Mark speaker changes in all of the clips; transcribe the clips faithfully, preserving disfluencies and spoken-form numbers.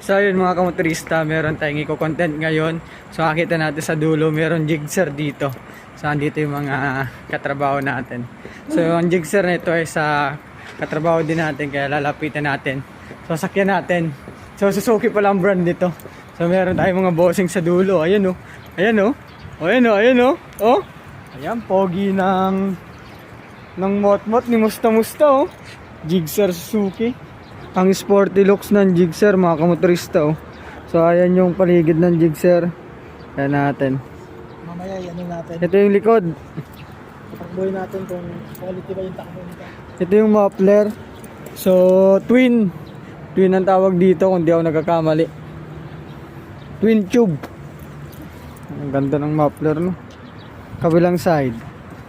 Speaker 1: So yun mga kamotorista, meron tayong i-content ngayon. So nakita natin sa dulo, meron jigsaw dito. So andito yung mga katrabaho natin. So ang jigsaw nito ay sa katrabaho din natin, kaya lalapitan natin. So sakyan natin. So Suzuki pala ang brand nito. So meron tayong mga bossing sa dulo. Ayan o. Ayan o. O ayan o. Ayan o. O. Ayan, pogi ng ng mot-mot ni Musta-Musta o. Jigsaw Suzuki. Ang sporty looks ng jigsaw mga kamotorista oh. So ayan yung paligid ng jigsaw. Ayan natin.
Speaker 2: Mamaya yan natin.
Speaker 1: Ito yung likod.
Speaker 2: Takbuhin natin kung quality ba yung takbo nito.
Speaker 1: Ito yung muffler. So twin. Twin ang tawag dito kung di ako nagkakamali. Twin tube. Ang ganda ng muffler no. Kabilang side.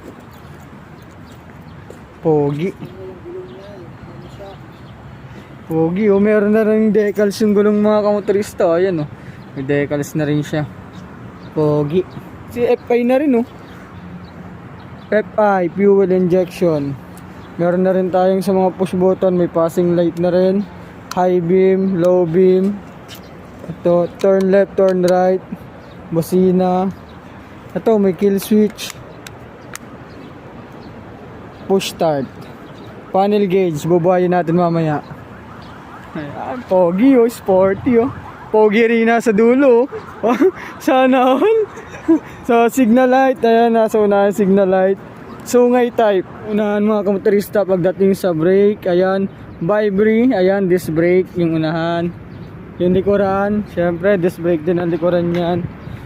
Speaker 1: Pogi. Pogi oh, meron na rin decals yung gulong mga kamotorista. Ayan oh, may decals na rin siya. Pogi. Si F I na rin oh. F I, fuel injection. Meron na rin tayong sa mga push button. May passing light na rin. High beam, low beam. Ito, turn left, turn right. Busina. Ito, may kill switch. Push start. Panel gauge, bubuhayin natin mamaya. Ayan, pogi oh, sporty oh. Pogi rin nasa dulo oh. Sana all. So signal light, ayan, nasa unahan signal light. Sungay type, unahan mga kamotorista pagdating sa brake. Ayan, vibri, ayan, disc brake yung unahan. Yung likuran, syempre disc brake din ang likuran yan.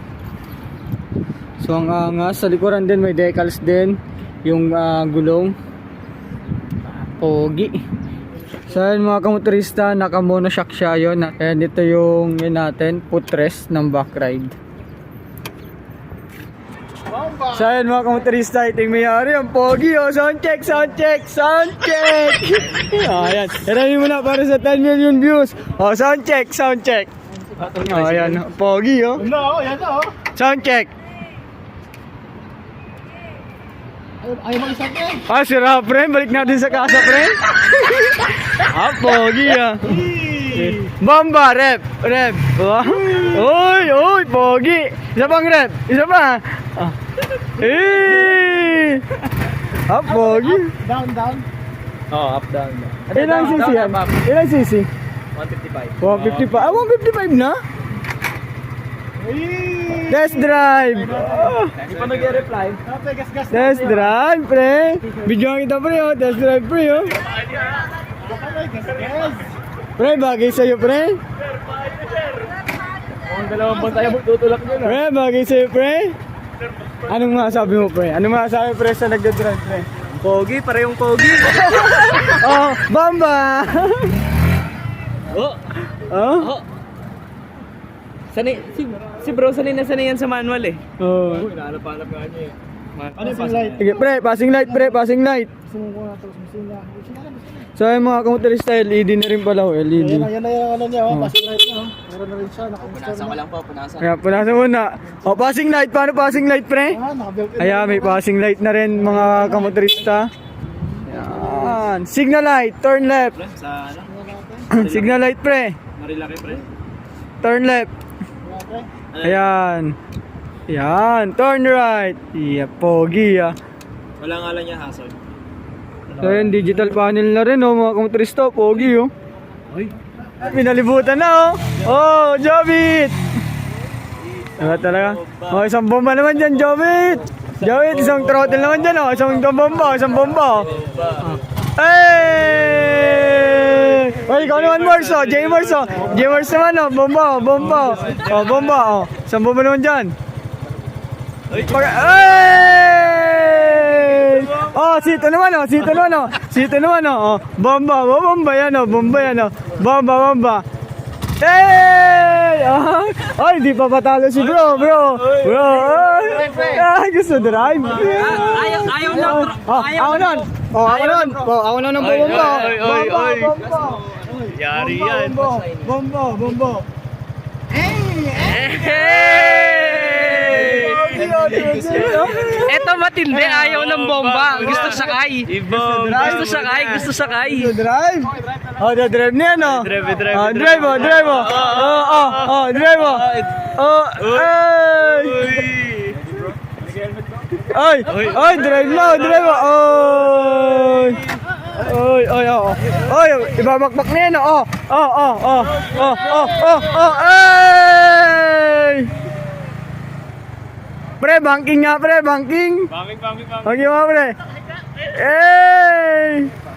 Speaker 1: So ang angas, sa likuran din may decals din. Yung uh, gulong. Pogi. So yun mga kamotorista, naka monoshock siya yun. And ito yung yun natin, footrest ng back ride. So yun mga kamotorista, ito yung mayari, ang pogi oh. Sound check, sound check, sound check. Oh, ayan, hirami mo na para sa ten million views. Oh, sound check, sound check. Oh, ayan, pogi oh.
Speaker 2: No, yan oh.
Speaker 1: Sound check.
Speaker 2: Ayaw mag-isang eh.
Speaker 1: Ah, sira pre, balik natin sa kasa pre. Ah, pogi ah. Bomba, rep, rep. Uy, uy, pogi. Isa pang rep, isa pa. Ah. Eh. Ah, pogi.
Speaker 2: Down, down.
Speaker 3: Oh, up, down.
Speaker 1: Ilang cc yan? Ilang cc?
Speaker 3: one fifty-five.
Speaker 1: one fifty-five. Ah, one fifty-five na? Test drive. Oh.
Speaker 3: Hindi pa nag-reply.
Speaker 2: Okay, gas, gas.
Speaker 1: Test drive, pre. Bigyan kita pre, oh. Test drive, pre, oh.
Speaker 2: Okay, gas, gas.
Speaker 1: Pre, bagay sa'yo, pre.
Speaker 3: Kung dalawang buwan tayo tutulak nyo na.
Speaker 1: Pre, bagay sa'yo, pre. Anong masasabi mo, pre? Anong masasabi, pre, sa nagdadrive, pre?
Speaker 3: Pogi, parehong pogi.
Speaker 1: Oh, bamba!
Speaker 3: Oh,
Speaker 1: Oh?
Speaker 3: oh. Sanay, si, si bro, sanay na sanay yan sa manual eh.
Speaker 1: Oh.
Speaker 3: Hinahanap-hanap nga niya eh.
Speaker 2: Ano yung light?
Speaker 1: Sige, pre, passing light, pre, passing light.
Speaker 2: Sumuko na ito, sumusina. Sina na, sina.
Speaker 1: So, yung mga kamotorista, L E D na rin pala, oh, L E D.
Speaker 2: Yan na, yan na yung ano niya, oh. Passing light niya, oh. Meron na rin siya, naka-install
Speaker 3: Punasan ko
Speaker 2: na.
Speaker 3: lang po, punasan.
Speaker 1: Kaya, punasan muna. Oh, passing light, paano passing light, pre?
Speaker 2: Ah, naka-built in.
Speaker 1: Ayan, may passing light na rin, mga kamotorista. Ayan. Signal light, turn left.
Speaker 3: Sa ano?
Speaker 1: Signal light, pre.
Speaker 3: Marilaki pre.
Speaker 1: Turn left.
Speaker 2: Okay.
Speaker 1: Ayan. Ayan, turn right. Yeah, pogi ah.
Speaker 3: Wala nga lang niya hazard.
Speaker 1: So yun, digital panel na rin oh, mga kamotorista, pogi oh.
Speaker 3: Uy.
Speaker 1: Pinalibutan na oh. Oh, Jobit! Diba talaga? Oh, isang bomba naman dyan, Jobit! Jobit, isang throttle naman dyan oh. Isang bomba, isang bomba oh. Hey! Oy, ikaw naman Mars oh, J Mars oh. J Mars naman oh, bomba oh, bomba oh. Oh, bomba oh. Isang bomba naman dyan. Hey! Oh, sito naman oh, sito naman oh. Sito naman oh. Oh, bomba, oh, bomba yan oh, bomba yan oh. Bomba, bomba. Hey! Oh, ay, di pa patalo si bro, bro. Bro, ay, ay gusto drive.
Speaker 3: Ayaw, ayaw lang.
Speaker 1: Oh, ako nun. Oh, ako nun. Oh, ako nun ng bomba.
Speaker 3: Oy, oy,
Speaker 1: Bomba,
Speaker 3: oy.
Speaker 1: bomba.
Speaker 3: Yari
Speaker 1: Bomba,
Speaker 3: yan.
Speaker 1: bomba, bomba, bomba.
Speaker 3: Hey! Eto matindi, ayaw ng bomba. Gusto sakay. Gusto sakay, gusto sakay.
Speaker 1: Drive? Oh, the drive niya, no?
Speaker 3: Drive, drive,
Speaker 1: Oh, drive mo, drive mo. Oh, oh, oh, drive mo. Oh, ay! Ay! Ay, drive mo, drive mo. Oy! Oy, oy, oh. Oy, ibabakbak niya, no? Oh, oh, oh, oh, oh, oh, oh, oh, ay! Pre, banking nga, pre, banking.
Speaker 3: Banging, banging, banging.
Speaker 1: Banking mo, pre. Eh!